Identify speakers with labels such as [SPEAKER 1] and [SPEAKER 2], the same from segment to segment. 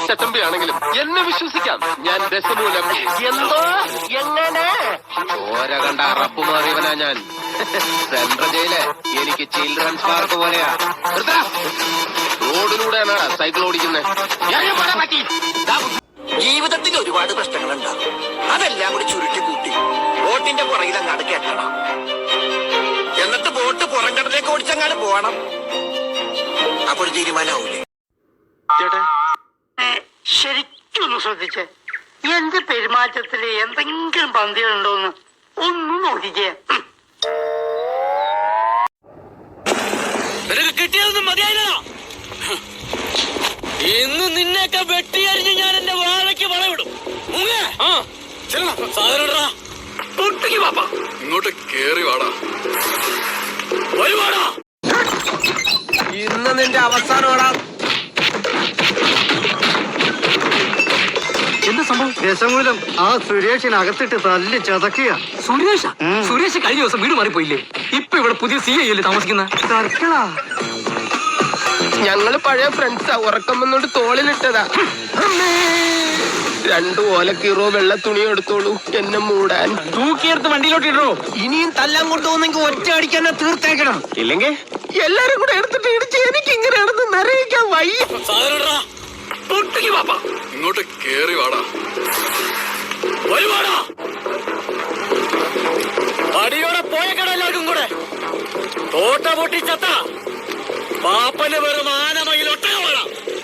[SPEAKER 1] ചട്ടമ്പിയാണെങ്കിലും എന്നെ വിശ്വസിക്കാം. ഞാൻ ദശമൂലം. എന്തോ എങ്ങനെ ചോര കണ്ട അറപ്പ് മാറിയവനാ ഞാൻ. സെൻട്രൽ ജയില് എനിക്ക് ചിൽഡ്രൻസ് പാർക്ക് പോലെയാ. റോഡിലൂടെയാണ് സൈക്കിൾ ഓടിക്കുന്നത്.
[SPEAKER 2] ജീവിതത്തിൽ ഒരുപാട് പ്രശ്നങ്ങളുണ്ടാകും. അതെല്ലാം കൂടി ചുരുട്ടി കൂട്ടി ബോട്ടിന്റെ പുറകിൽ അങ്ങാട് കെട്ടണം. എന്നിട്ട് ബോട്ട് പുറംകടലേക്ക് ഓടിച്ചങ്ങാട് പോകണം. അപ്പൊ ഒരു തീരുമാനമാവൂലേ?
[SPEAKER 3] ശരിക്കൊന്ന് ശ്രദ്ധിച്ചേ. എന്റെ പെരുമാറ്റത്തില് എന്തെങ്കിലും പന്തികളുണ്ടോന്ന് ഒന്നും നോക്കിക്കേ.
[SPEAKER 4] കിട്ടിയതൊന്നും മതിയായില്ല. ഇന്ന് നിന്നെയൊക്കെ വെട്ടിയരിഞ്ഞ് ഞാൻ എന്റെ വാഴയ്ക്ക് വളവിടും.
[SPEAKER 5] ഇങ്ങോട്ട് കേറി വാടാ.
[SPEAKER 4] ഒരുപാടാ
[SPEAKER 1] ഇന്ന് നിന്റെ അവസാനമാടാ.
[SPEAKER 3] എന്ത് സംഭവം? ദശമൂലം ആ സുരേഷിനകത്തിട്ട് തല്ലി ചതക്കുക.
[SPEAKER 4] സുരേഷ് കഴിഞ്ഞ ദിവസം വീട് മാറിപ്പോയില്ലേ? ഇപ്പൊ ഇവിടെ പുതിയ CI അല്ലേ താമസിക്കുന്ന?
[SPEAKER 3] സർക്കിളാ.
[SPEAKER 1] ഞങ്ങള് പഴയ ഫ്രണ്ട്സാ. ഉറക്കം വന്നോണ്ട് തോളിലിട്ടതാ. 2 ഓലക്കീറോ വെള്ള തുണിയോ എടുത്തോളൂ എന്നെ മൂടാൻ.
[SPEAKER 4] തൂക്കിയെടുത്ത് വണ്ടിയിലോട്ട് ഇടോ.
[SPEAKER 1] ഇനിയും തല്ലാൻ കൊണ്ടുപോകുന്നെങ്കിൽ ഒറ്റ അടിക്കാൻ തീർത്തേക്കണം. ഇല്ലെങ്കിൽ എല്ലാരും കൂടെ എടുത്തിട്ട് ഇടിച്ച് എനിക്ക് ഇങ്ങനെയാണെന്ന് നിറയിക്കാൻ വയ്യ.
[SPEAKER 5] ഇങ്ങോട്ട് കേറി വാടാ.
[SPEAKER 4] ഒരുപാടാ അടിയോടെ പോയേക്കട എല്ലാവർക്കും കൂടെ. തോട്ട പൊട്ടിച്ചത്ത പാപ്പന് വെറും ആനമയിലൊട്ടക വേണം.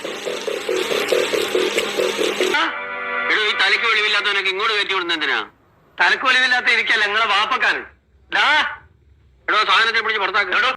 [SPEAKER 6] ഈ തലയ്ക്ക് വെളിവില്ലാത്തവനൊക്കെ ഇങ്ങോട്ട് കയറ്റി വിടുന്ന എന്തിനാ?
[SPEAKER 3] തലക്ക് വെളിവില്ലാത്ത ഇരിക്കല്ല നിങ്ങളെ വാപ്പക്കാരൻ.
[SPEAKER 6] എടോ സാധനത്തെ പിടിച്ച് പുറത്താക്കുക.